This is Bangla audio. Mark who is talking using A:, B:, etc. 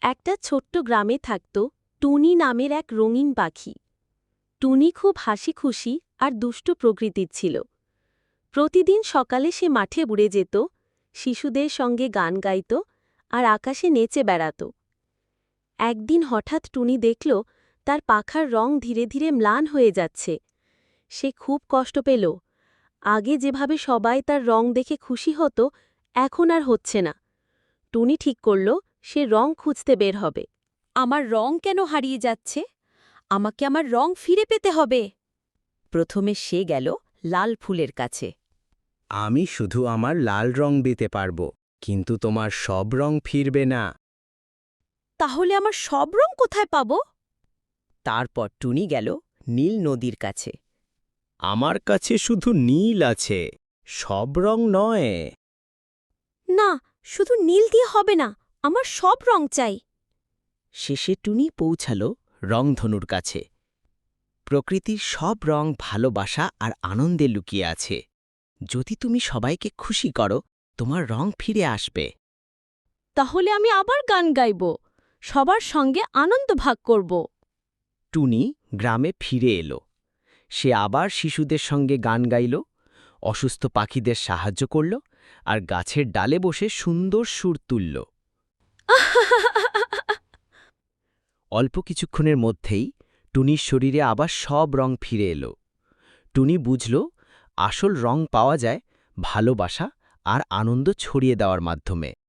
A: একটা ছোট্ট গ্রামে থাকত টুনি নামের এক রঙিন পাখি। টুনি খুব হাসি খুশি আর দুষ্ট প্রকৃতির ছিল। প্রতিদিন সকালে সে মাঠে উড়ে যেত, শিশুদের সঙ্গে গান গাইত আর আকাশে নেচে বেড়াত। একদিন হঠাৎ টুনি দেখল তার পাখার রং ধীরে ধীরে ম্লান হয়ে যাচ্ছে। সে খুব কষ্ট পেল। আগে যেভাবে সবাই তার রং দেখে খুশি হতো, এখন আর হচ্ছে না। টুনি ঠিক করল সে রং খুঁজতে বের হবে। আমার রং কেন হারিয়ে যাচ্ছে? আমাকে আমার রং ফিরে পেতে হবে। প্রথমে সে গেল লাল ফুলের কাছে।
B: আমি শুধু আমার লাল রং দিতে পারব, কিন্তু তোমার সব রং ফিরবে না।
A: তাহলে আমার সব রং কোথায় পাব?
C: তারপর টুনি গেল নীল নদীর কাছে।
B: আমার কাছে শুধু নীল আছে, সব রং নয়।
A: না, শুধু নীল দিয়ে হবে না, আমার সব রং চাই।
C: শেষে টুনি পৌঁছাল রংধনুর কাছে। প্রকৃতির সব রং ভালোবাসা আর আনন্দে লুকিয়ে আছে। যদি তুমি সবাইকে খুশি করো, তোমার রং ফিরে আসবে।
A: তাহলে আমি আবার গান গাইব, সবার সঙ্গে আনন্দ ভাগ করব।
C: টুনি গ্রামে ফিরে এলো। সে আবার শিশুদের সঙ্গে গান গাইল, অসুস্থ পাখিদের সাহায্য করল আর গাছের ডালে বসে সুন্দর সুর তুলল। অল্প কিছুক্ষণের মধ্যেই টুনির শরীরে আবার সব রং ফিরে এলো। টুনি বুঝল আসল রং পাওয়া যায় ভালোবাসা আর আনন্দ ছড়িয়ে দেওয়ার মাধ্যমে।